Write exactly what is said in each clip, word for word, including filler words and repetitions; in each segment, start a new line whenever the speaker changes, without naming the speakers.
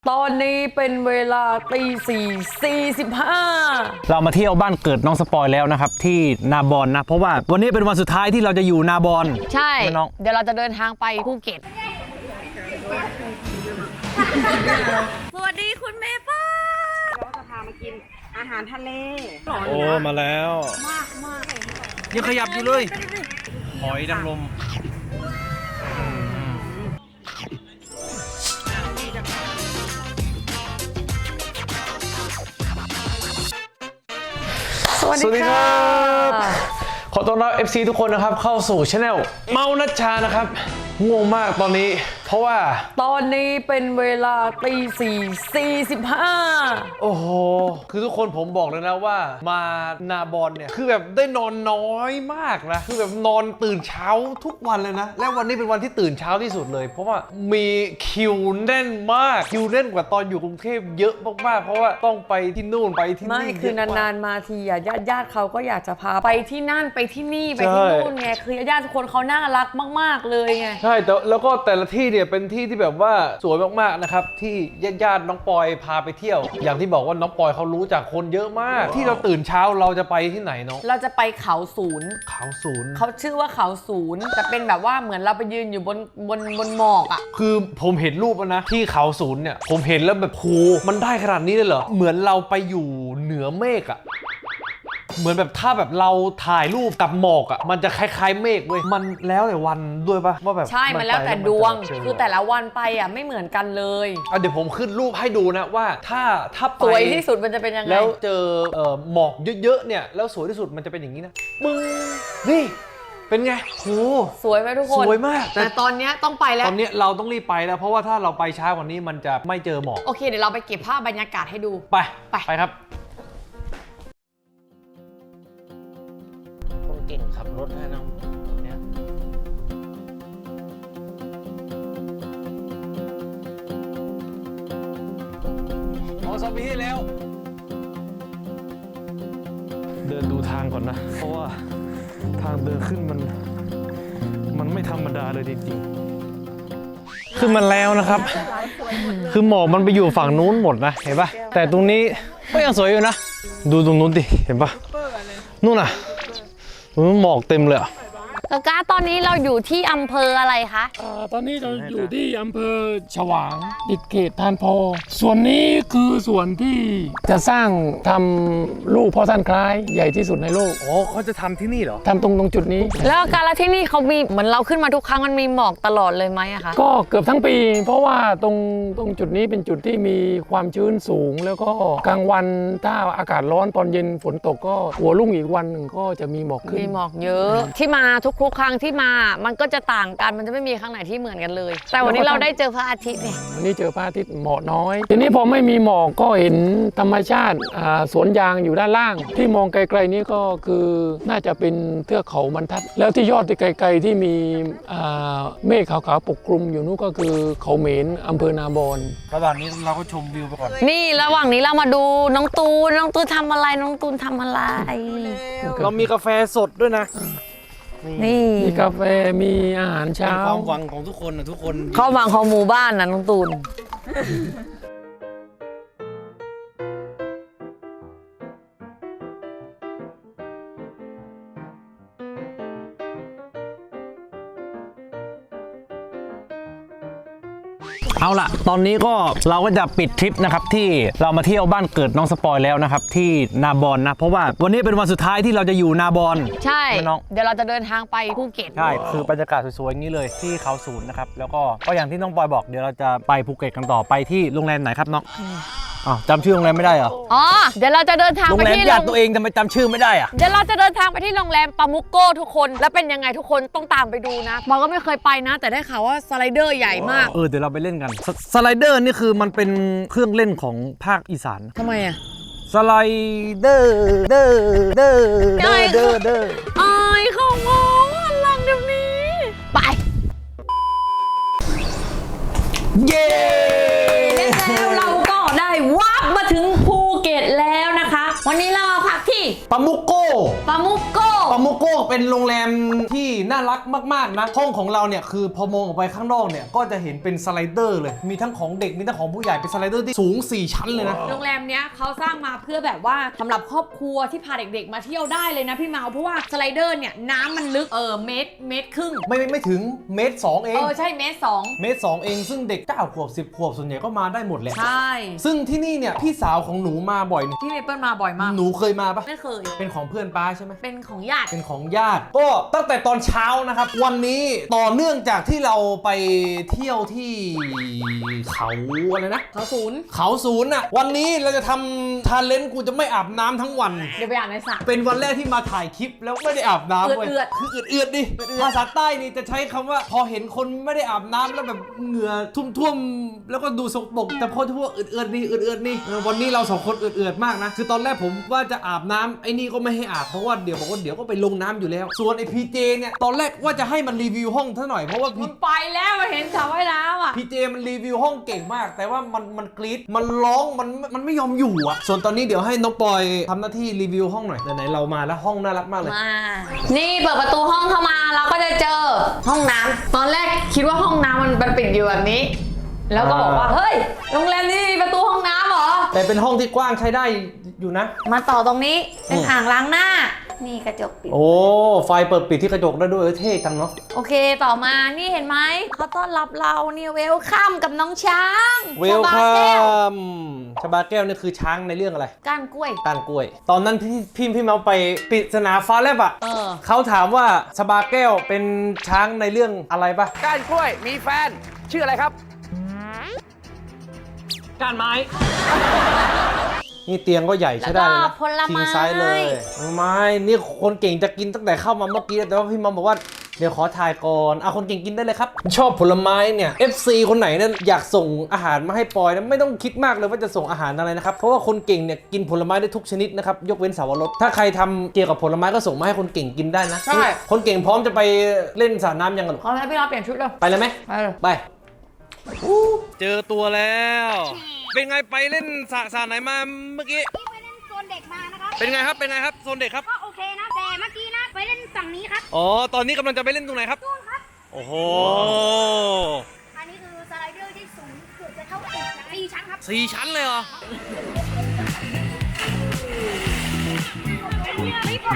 ตอนนี้เป็นเวลาตีสี่สี่สิบห้า
เรามาเที่ยวบ้านเกิดน้องสปอยแล้วนะครับที่นาบอนนะเพราะว่าวันนี้เป็นวันสุดท้ายที่เราจะอยู่นาบอน
ใช่เดี๋ยวเราจะเดินทางไปภูเก็ตสวัสดีคุณเมเปิ้ล
เราจะพามากินอาหารทะเล
โอ้มาแล้ว
มากมาก
ยังขยับอยู่เลยหอยนางรม
สวัสดีครับ
ขอต้อนรับ เอฟ ซี ทุกคนนะครับเข้าสู่ช anel เมานัชชานะครับงงมากตอนนี้เพราะว่า
ตอนนี้เป็นเวลาตีสี่สี่สิบห้า
โอ้โหคือทุกคนผมบอกเลยนะว่ามานาบอนเนี่ยคือแบบได้นอนน้อยมากนะคือแบบนอนตื่นเช้าทุกวันเลยนะและวันนี้เป็นวันที่ตื่นเช้าที่สุดเลยเพราะว่ามีคิวแน่นมากคิวแน่นกว่าตอนอยู่กรุงเทพเยอะมากๆเพราะว่าต้องไปที่นู่นไปที่นี่
ไม่คือนานๆมาทีอ่ะญาติญาติเขาก็อยากจะพาไปที่นั่นไปที่นี่ไปที่นู่นไงคือญาติทุกคนเขาน่ารักมากๆเลยไง
ใช่แต่แล้วก็แต่ละที่เนี่ยเป็นที่ที่แบบว่าสวยมากๆนะครับที่ญาติๆน้องปอยพาไปเที่ยวอย่างที่บอกว่าน้องปอยเขารู้จักคนเยอะมากที่เราตื่นเช้าเราจะไปที่ไหนเนาะ
เราจะไปเขาศูนย์
เขาศูนย์
เขาชื่อว่าเขาศูนย์จะเป็นแบบว่าเหมือนเราไปยืนอยู่บนบนบนหมอกอ่ะ
คือผมเห็นรูปแล้วนะที่เขาศูนย์เนี่ยผมเห็นแล้วแบบโหมันได้ขนาดนี้เลยเหรอเหมือนเราไปอยู่เหนือเมฆอ่ะเหมือนแบบถ้าแบบเราถ่ายรูปกับหมอกอ่ะมันจะคล้ายๆเมฆเว้ยมันแล้วแต่วันด้วยปะว่าแบบ
ใช่มันแล้วแต่ดวงคือแต่ละวันไปอ่ะไม่เหมือนกันเลย
อ่ะเดี๋ยวผมขึ้นรูปให้ดูนะว่าถ้าถ้าไป
สวยที่สุดมันจะเป็นยังไง
แล้วเจอเอ่อหมอกเยอะๆเนี่ยแล้วสวยที่สุดมันจะเป็นอย่างนี้นะมึงนี่เป็นไงโห
สวยไหมทุกคน
สวยมาก
แต่ตอนนี้ต้องไปแล้ว
ตอนนี้เราต้องรีบไปแล้วเพราะว่าถ้าเราไปช้ากว่านี้มันจะไม่เจอหมอก
โอเคเดี๋ยวเราไปเก็บภาพบรรยากาศให้ดู
ไปไปไปครับคนเก่งขับรถให้นะเนี่ยพอสอบปีที่แล้วเดินดูทางก่อนนะเพราะว่าทางเดินขึ้นมันมันไม่ธรรมดาเลยจริงๆขึ้นมาแล้วนะครับคือหมอกมันไปอยู่ฝั่งนู้นหมดนะเห็นปะแต่ตรงนี้ก็ยังสวยอยู่นะดูตรงนู้นดิเห็นปะนู่นน่ะหมอกเต็มเลยอ่ะ
กากาตอนนี้เราอยู่ที่อำเภออะไรคะ
อ่าตอนนี้เราอยู่ที่อำเภอฉวางติดเขตทานโพส่วนนี้คือส่วนที่จะสร้างทำลูกพ่อท่านคล้ายใหญ่ที่สุดในโลก
อ๋อเขาจะทำที่นี่เหรอ
ทำตรงตรงจุดนี้
แล้วการละที่นี่เขามีเหมือนเราขึ้นมาทุกครั้งมันมีหมอกตลอดเลยไหมอะคะ
ก็เกือบทั้งปีเพราะว่าตรงตรงจุดนี้เป็นจุดที่มีความชื้นสูงแล้วก็กลางวันถ้าอากาศร้อนตอนเย็นฝนตกก็หัวรุ่งอีกวันหนึ่งก็จะมีหมอกขึ้น
มีหมอกเยอะที่มาทุกทุกครั้งที่มามันก็จะต่างกันมันจะไม่มีครั้งไหนที่เหมือนกันเลยแต่วันนี้เราได้เจอพระอาทิตย์เนี่ย
วันนี้เจอพระอาทิตย์หมอกน้อยทีนี้พอไม่มีหมอกก็เห็นธรรมชาติสวนยางอยู่ด้านล่างที่มองไกลๆนี้ก็คือน่าจะเป็นเทือกเขาบรรทัดแล้วที่ยอดที่ไกลๆที่มีเมฆขาวๆปกคลุมอยู่นู้นก็คือเขาเหม็นอำเภอนาบอน
ระหว่างนี้เราก็ชมวิวไปก่อน
นี่ระหว่างนี้เรามาดูน้องตูนน้องตูนทำอะไรน้องตูนทำอะไร
เรามีกาแฟสดด้วยนะ
นี่
มีกาแฟมีอาหารเช้า
ความหวังของทุกคนนะทุกคน
เข้าหวังของหมู่บ้านนะน้องตูน
เอาล่ะตอนนี้ก็เราก็จะปิดทริปนะครับที่เรามาเที่ยวบ้านเกิดน้องสปอยแล้วนะครับที่นาบอนนะเพราะว่าวันนี้เป็นวันสุดท้ายที่เราจะอยู่นาบอน
ใช่เดี๋ยวเราจะเดินทางไปภูเก็ต
ใช่คือบรรยากาศสวยๆอย่างนี้เลยที่เขาศูนย์นะครับแล้วก็ก็อย่างที่น้องปอยบอกเดี๋ยวเราจะไปภูเก็ตกันต่อไปที่โรงแรมไหนครับน้องอ๋อจำชื่อโรงแรมไม่ได้เหรอ
อ๋อเดี๋ยวเราจะเดินทางไปที่
โรงแรมญาติตัวเองทำไมจำชื่อไม่ได้อะ
เดี๋ยวเราจะเดินทางไปที่โรงแรมปามุกโก้ทุกคนแล้วเป็นยังไงทุกคนต้องตามไปดูนะมอก็ไม่เคยไปนะแต่ได้ข่าวว่าสไลเดอร์ใหญ่มาก
เออเดี๋ยวเราไปเล่นกันสไลเดอร์นี่คือมันเป็นเครื่องเล่นของภาคอีสาน
ทำไมอะ
สไลเดอร์เดอร์เดอร์เดอร์เดอร์เดอร์
ไอ้เขามองหลังเดี๋ยวนี้ไป
เย้
แล้วเราก็ได้วับมาถึงภูเก็ตแล้วนะคะวันนี้เราพักที่
ปามุกโก้
ปามุกโก้
ปาโมโก้เป็นโรงแรมที่น่ารักมากๆนะห้องของเราเนี่ยคือพอมองออกไปข้างนอกเนี่ยก็จะเห็นเป็นสไลเดอร์เลยมีทั้งของเด็กมีทั้งของผู้ใหญ่เป็นสไลเดอร์ที่สูงสี่ชั้นเลยนะ
โรงแรมเนี้ยเขาสร้างมาเพื่อแบบว่าสำหรับครอบครัวที่พาเด็กๆมาเที่ยวได้เลยนะพี่เมาเพราะว่าสไลเดอร์เนี่ยน้ำมันลึกเออเมตรเมตรครึ่ง
ไม่ไม่ไม่ถึงเมตรสองเอง
เออใช่เมตรสอง
เมตรสองเองซึ่งเด็กเก้าขวบสิบขวบส่วนใหญ่ก็มาได้หมดแหละ
ใช่
ซึ่งที่นี่เนี่ยพี่สาวของหนูมาบ่อยนี่
พี่เมเปิลมาบ่อยมาก
หนูเคยมาปะ
ไม่เคย
เป็นของเพื่อนป้าใช่ไหม
เป็นของญาติ
เป็นของญาติก็ตั้งแต่ตอนเช้านะครับวันนี้ต่อเนื่องจากที่เราไปเที่ยวที่เขาอะไรนะ
เขาศูนย์
เขาศูนย์น่ะวันนี้เราจะทำทาเลนต์กูจะไม่อาบน้ำทั้งวัน
เดี๋ยวไปอ่านในสระ
เป็นวันแรกที่มาถ่ายคลิปแล้วไม่ได้อาบน้ำเว้ย
เอือด
คือเอือดเอือดดิ
เอือดๆ
ภาษาใต้นี่จะใช้คำว่า พอเห็นคนไม่ได้อาบน้ำแล้วแบบเหงื่อทุ่มๆแล้วก็ดูสกปรกแต่พอที่ว่าเอือดเอือดนี่เอือดเอือดนี่เออวันนี้เราสองคนเอือดเอือดมากนะคือตอนแรกผมว่าจะอาบน้ำไอ้นี่ก็ไม่ให้อาบเพราะว่าเดี๋ยวบอกว่าเดี๋ยวก็ไปลงน้ำอยู่แล้ว ส่วนไอ้พีเจเนี่ยตอนแรกว่าจะให้มันรีวิวห้องซะหน่อยเพราะว่าพี
มันไปแล้วมาเห็นสระว่ายน้ำอ่ะ
พีเจมันรีวิวห้องเก่งมาก แต่ว่ามันมันกรี๊ดมันร้องมันมันไม่ยอมอยู่อ่ะส่วนตอนนี้เดี๋ยวให้น้องปอยทำหน้าที่รีวิวห้องหน่อยไหนๆเรามาแล้วห้องน่ารักมากเลย
มา นี่เปิดประตูห้องเข้ามาเราก็จะเจอห้องน้ำตอนแรกคิดว่าห้องน้ำมันมันปิดอยู่แบบนี้ แล้วก็บอกว่าเฮ้ยโรงแรมนี้มีประตูห้องน้ำเหรอ
แต่เป็นห้องที่กว้างใช้ได้อยู่นะ
มาต่อตรงนี้เป็น
อืม
อ่างล้างหน้า นี่กระจกปิด
โอ้ไฟเปิดปิดที่กระจกได้ด้วยเออเท่จังเนาะ
โอเคต่อมานี่เห็นไหมเขาต้อนรับเราเนี่ยเวลคัมกับน้องช้าง
เวล
ชา
คั
บาแก้ว
มชบาแก้วนี่คือช้างในเรื่องอะไร
ก้านกล้วย
ก้านกล้วย ตอนนั้นพี่พี่พี่เมาไปปริศนาฟ้าแลบอ่ะ
เออ
เขาถามว่าชบาแก้วเป็นช้างในเรื่องอะไรปะ
ก้านกล้วยมีแฟน ชื่ออะไรครับ
ก้านไม้ นี่เตียงก็ใหญ่ใช่ได้เลย
แล้ว
นะ
ก็ผลไม้
คิงไซส์เลยไม่นี่คนเก่งจะกินตั้งแต่เข้ามาเมื่อกี้แต่ว่าพี่เมาบอกว่าเดี๋ยวขอถ่ายก่อนอ่ะคนเก่งกินได้เลยครับ ชอบผลไม้เนี่ย เอฟ ซี คนไหนเนี่ยอยากส่งอาหารมาให้ปอยนะไม่ต้องคิดมากเลยว่าจะส่งอาหารอะไรนะครับ เพราะว่าคนเก่งเนี่ยกินผลไม้ได้ทุกชนิดนะครับ ยกเว้นสาวรส ถ้าใครทำเกี่ยวกับผลไม้ก็ส่งมาให้คนเก่งกินได้นะ
ใช่
คนเก่งพร้อมจะไปเล่นสระน้ำยังกันหรอ
ขอให้พี่เราเปลี่ยนชุดเลย
ไปเลยไหม
ไปเลย
ไป เจอตัวแล้ว เป็นไงไปเล่นสระสระไหนมาเมื่อกี้
ไปเล่นโซนเด็กมานะครับ
เป็นไงครับ เป็นไงครับ โซนเด็กครับ
ก็โอเคนะ แต่เมื่อกี้นะ ไปเล่นฝั่งนี้ครับ
อ๋อ ตอนนี้กำลังจะไปเล่นตรงไหนครับ
นู่นครับ
โอ้โห
อันนี้คือสไลเดอร์ที่สูงเกือบจะเท่าตึกนะสี่ชั้นครับ
สี่ชั้นเลยเหรอ
ไม่ผ่าน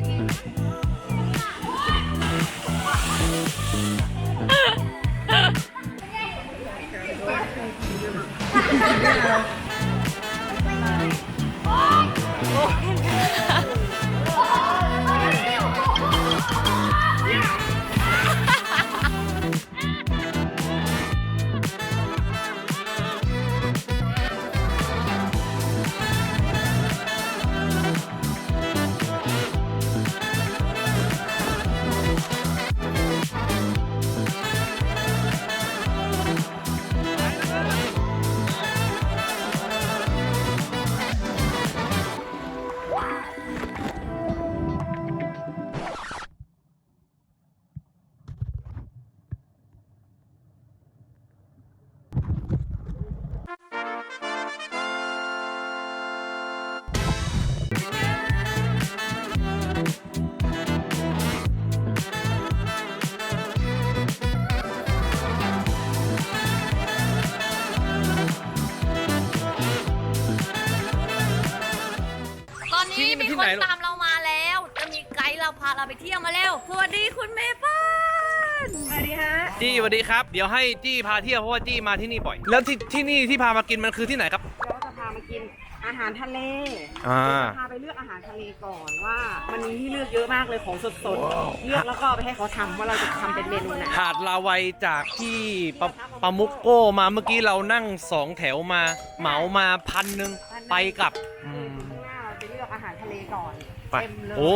ตอนนี้
ที่นี่มัน
มี
ที่
ค
ไหน
น
ลูก
ตามเรามาแล้ว จะมีไกด์เราพาเราไปเที่ยวมาแล้ว สวัสดีคุณเมเปิ้ล
สวัสดีฮะ
จี้สวัสดีครับ เดี๋ยวให้จี้พาเที่ยวเพราะว่าจี้มาที่นี่บ่อย แล้วที่ที่นี่ที่พามากินมันคือที่ไหนครับ
เราจะพามากินอาหารทะเล
อ่า
จะพาไปเลือกอาหารทะเลก่อนว่า มันมีที่เลือกเยอะมากเลยของสดๆ เลือกแล้วก็ไปให้เขาทำว่าเราจะทำเป็นเมนูไหน
หาดลาวัยจากที่ปะปามุกโก้มาเมื่อกี้เรานั่งสองแถวมา เหมามาพันหนึ่งไปกลับอืม
ข้างหน้าเราจะเลือกอาหารทะเลก่อน
ไป
เต็มเลย
โอ้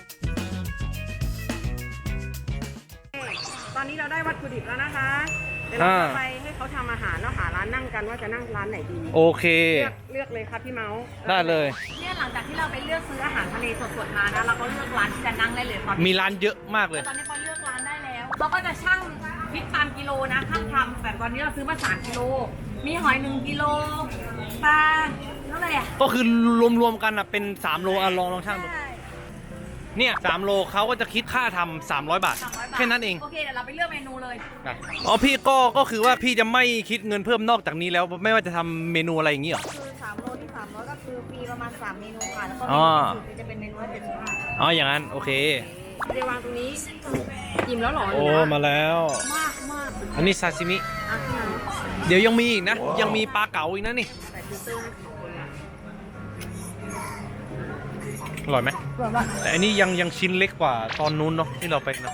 ตอนนี้เราได้วัตถุดิบแล้วนะคะ ขเดี๋ยวเราจะไปให้เขาทำอาหารแล้วหาร้านนั่งกันว่าจะนั่งร้านไหนดี
โอเค
เลือกเลือกเลยครับพี่เมาส์
ได้เลย
เนี่ยหลังจากที่เราไปเลือกซื้ออาหารทะเลสดๆมานะเราก็เลือกร้านที่จะนั่งได้เลยตอนนี้
มีร้านเยอะมากเลย
ตอนนี้เขาเลือกร้านได้แล้วเขาก็จะชั่งพริกตามกิโลนะข้างทำแต่ตอนนี้เราซื้อมาสามกิโลมีหอยหนึ่งกิโลปลาเท่าไหร่อ่ะ
ก็คือรวมๆกันอ่ะเป็นสามโลอ่ะลองลองช่างดูเนี่ยสามโลเขาก็จะคิดค่าทำสามร้อยบาท
สามร้อยบาท
แค่นั้นเอง
โอเคเดี๋ยวเราไปเลือกเมนูเลย
นะอ๋อพี่ก็ก็คือว่าพี่จะไม่คิดเงินเพิ่มนอกจากนี้แล้วไม่ว่าจะทำเมนูอะไรอย่างงี้เหรอ
คือสามโลที่สามร้อยก็คือฟรีประมาณสามเมนูค่ะแล้วก็
อ๋
เม
อ
นูอื่นจะเป็นเมนูละเจ็ดสิบห้า
อ๋ออย่างนั้นโอเค
เดี๋ยววางตรงนี้อิ่มแล้วเหรอ
โอ้มาแล้ว
มากมาก
อันนี้ซาซิมิ
อ่ะพี่น้อง
เดี๋ยวยังมีอีกนะ ยังมีปลาเก๋าอีกนะนี่
ใส่ฟิลเตอร์ให้สองคนละ
อร่อยไหม
แบบว่า
แต่อันนี้ยังยังชิ้นเล็กกว่าตอนนู้นเนาะที่เราไปนะ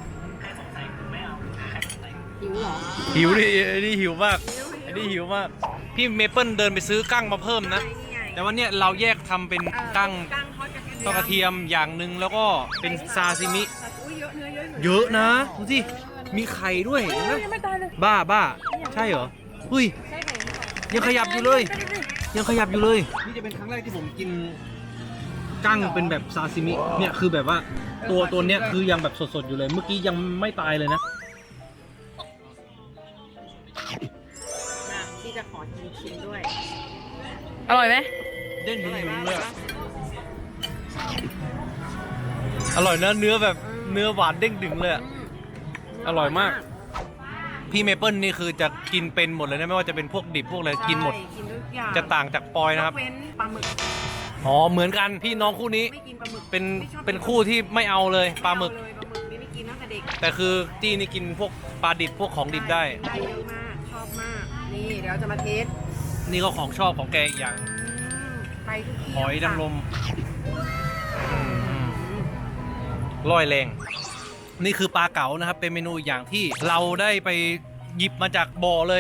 หิวเหรอ
หิวดิอันนี้หิวมากอันนี้หิวมาก พี่เมเปิลเดินไปซื้อกั้งมาเพิ่มนะ
นี่ไง
แต่วันเนี้ยเราแยกทำเป็นกั้ง
กั้งทอดกระเทียม
ทอดกระเทียมอย่างหนึ่งแล้วก็เป็นซาซิมิ
อุ้ยเยอะเนื้อเยอะอยู่
เยอะนะดูสิมีไข่ด้วยเห็นไหม
ยังไม่ตายเลย
บ้าบ้าใช่เหรออุ้ย
ใช่ไข่ไม่ตาย
ยังขยับอยู่เลย ยังขยับอยู่เลย นี่จะเป็นครั้งแรกที่ผมกินกั้งเป็นแบบซาซิมิเนี่ยคือแบบว่าตัวตัวเนี้ยคือยังแบบสดๆอยู่เลย เมื่อกี้ยังไม่ตายเลยนะ
อ่ะพี่จะขอชิมชิมด้วย
อร่อยไหม
เด้งดึงๆเลยอะอร่อยนะเนื้อแบบเนื้อหวานเด้งดึงเลยอะอร่อยมาก พี่เมเปิลนี่คือจะกินเป็นหมดเลยนะไม่ว่าจะเป็นพวกดิบพวกอะไรกินหมด
ใช่กินทุกอย่าง
จะต่างจากปอยนะครับ
ยกเว้นปลาหมึก
อ๋อเหมือนกันพี่น้องคู่นี้
ไม่กินปลาหมึก
เป็น
ไม่ชอบ
เป็นคู่ที่ไม่เอาเลยปลาหมึก
ไเอเลยปลาหมึกนี่ไม่กินตั้งแต่เด็ก
แต่คือจี้นี่กินพวกปลาดิบพวกของดิบได้
ได้เยอะมากชอบมากนี่เดี๋ยวจะมาเทส
นี่ก็ของชอบของแกอีกอย่าง
อืมไปทุกที่
หอยนางรมอืมร่อยแรง นี่คือปลาเก๋านะครับ เป็นเมนูอีกอย่างที่เราได้ไปหยิบมาจากบ่อเลย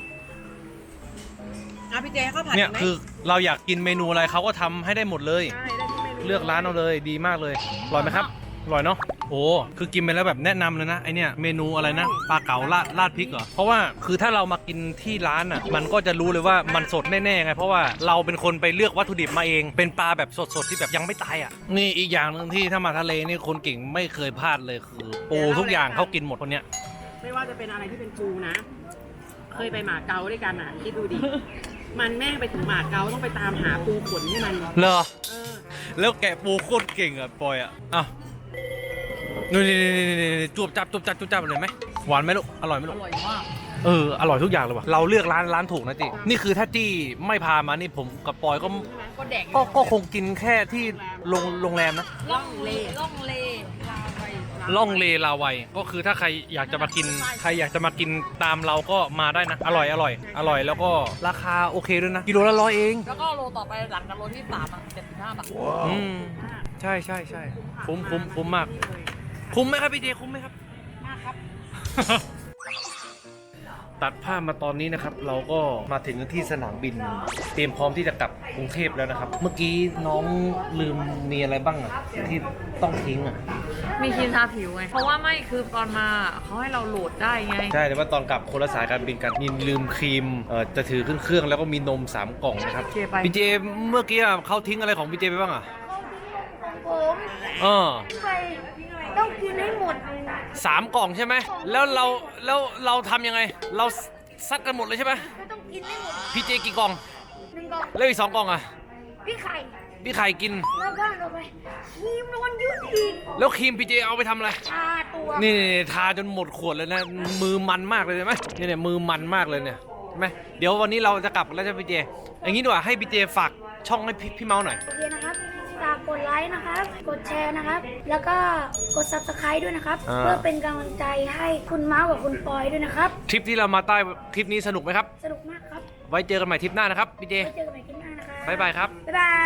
อ่ะพี่เจให้ข้าวผัด
เนี่ย
ไหม
คือเราอยากกินเมนูอะไรเขาก็ทำให้ได้หมดเลย
ใช่ได้ทุกเมนู
เลือกร้านเอาเลยดีมากเลยอร่อยไหมครับอร่อยเนาะโอ้คือกินไปแล้วแบบแนะนำเลยนะไอเนี่ยเมนูอะไรนะปลาเก๋าราดราดพริกเหรอเพราะว่าคือถ้าเรามากินที่ร้านอ่ะมันก็จะรู้เลยว่ามันสดแน่ๆไงเพราะว่าเราเป็นคนไปเลือกวัตถุดิบมาเองเป็นปลาแบบสดๆที่แบบยังไม่ตายอ่ะนี่อีกอย่างหนึ่งที่ถ้ามาทะเลนี่คนเก่งไม่เคยพลาดเลยคือปูทุกอย่างเขากินหมดคนเนี้ย
ไม่ว่าจะเป็นอะไรที่เป็นปูนะ เคยไปหมาเก๊าด้วยกันอ่ะคิดดูดิ มันแม่งไปถึงหมาเก๊าต้องไปตามหาปูขนให้มัน
เหรอ
เออ
แล้วแกะปูโคตรเก่งอ่ะปอยอ่ะอ้าวนี่นี่นี่นี่จวบจับจวบจับจวบจับเลยไหมหวานไหมลูกอร่อยไหมลู
อก ร่อยมาก
เอออร่อยทุกอย่างเลยว่ะเราเลือกร้านร้านถูกนะจีนี่คือถ้าจี้ไม่พามานี่ผมกับปอยก็
ก็แดก
ก็ก็คงกินแค่ที่โรงโรงแรมนะ
ล่องเลล่องเลลาไป
ล่องเลลาวัยก็คือถ้าใครอยากจะมากินใครอยากจะมากินตามเราก็มาได้นะ อร่อยอร่อยอร่อยแล้วก็ราคาโอเคด้วยนะกิโลละร้อยเอง
แล้วก็โลต่อไปหลังจากโลที่สามอ่ะเจ็ดสิบห้าบาท
อืมใช่ใช่ใช่คุ้มคุ้มคุ้มมาก คุ้มไหมครับพี่เจคุ้มไหมครับ
มากครับ
ตัดภาพมาตอนนี้นะครับเราก็มาถึงที่สนามบิน เตรียมพร้อมที่จะกลับกรุงเทพแล้วนะครับ เมื่อกี้น้องลืมมีอะไรบ้างอะที่ต้องทิ้งอะ
มีครีมทาผิวไง เพราะว่าไม่คือตอนมาเขาให้เราโหลดได้ไง
ใช่แต่ว่าตอนกลับคนละสายการบินกันมีลืมครีมเอ่อจะถือขึ้นเครื่องแล้วก็มีนมสามกล่องนะครับ
เจไป
พี่เจเมื่อกี้อะเขาทิ้งอะไรของพี่เจไปบ้างอะ
ผม
เออ
ไปต้องกินให้หมด
สามกล่องใช่ไหมแล้วเราแล้วเราทำยังไง เราซัดกันหมดเลยใช่ไหม
ก็ต้องกินให้หมด
พี่เจกี่กล่อง
หนึ่งกล่อง
แล้วอีกสองกล่องอะ
พี่ไข่
พี่ไข่กิน
แล้วก็ลงไปครีมนอนยืดอีก
แล้วครีมพี่เจเอาไปทำอะไร
ทาตัว
นี่ทาจนหมดขวดเลยนะ มือมันมากเลยใช่ไหมเนี่ยเนี่ยมือมันมากเลยเนี่ยใช่ไหมเดี๋ยววันนี้เราจะกลับแล้วใช่ไหมพี่เจอย่างนี้ดีกว่าให้พี่เจฝากช่องให้พี่พี่เมาส์หน่อย
โอเคนะครับฝากกดไลค์นะครับ กดแชร์นะครับ แล้วก็กด ซับสไครบ์ ด้วยนะครับ
อ่า
เพื่อเป็นกำลังใจให้คุณเมาส์กับคุณปอยด้วยนะครับ
ทริปที่เรามาใต้คลิปนี้สนุกไหมครับ
สนุกมากครับ
ไว้เจอกันใหม่ทริปหน้านะครับพี่เจ
ไว้เจอกันใหม่คลิปหน้านะครับ
บ๊ายบายครับ
บ๊ายบาย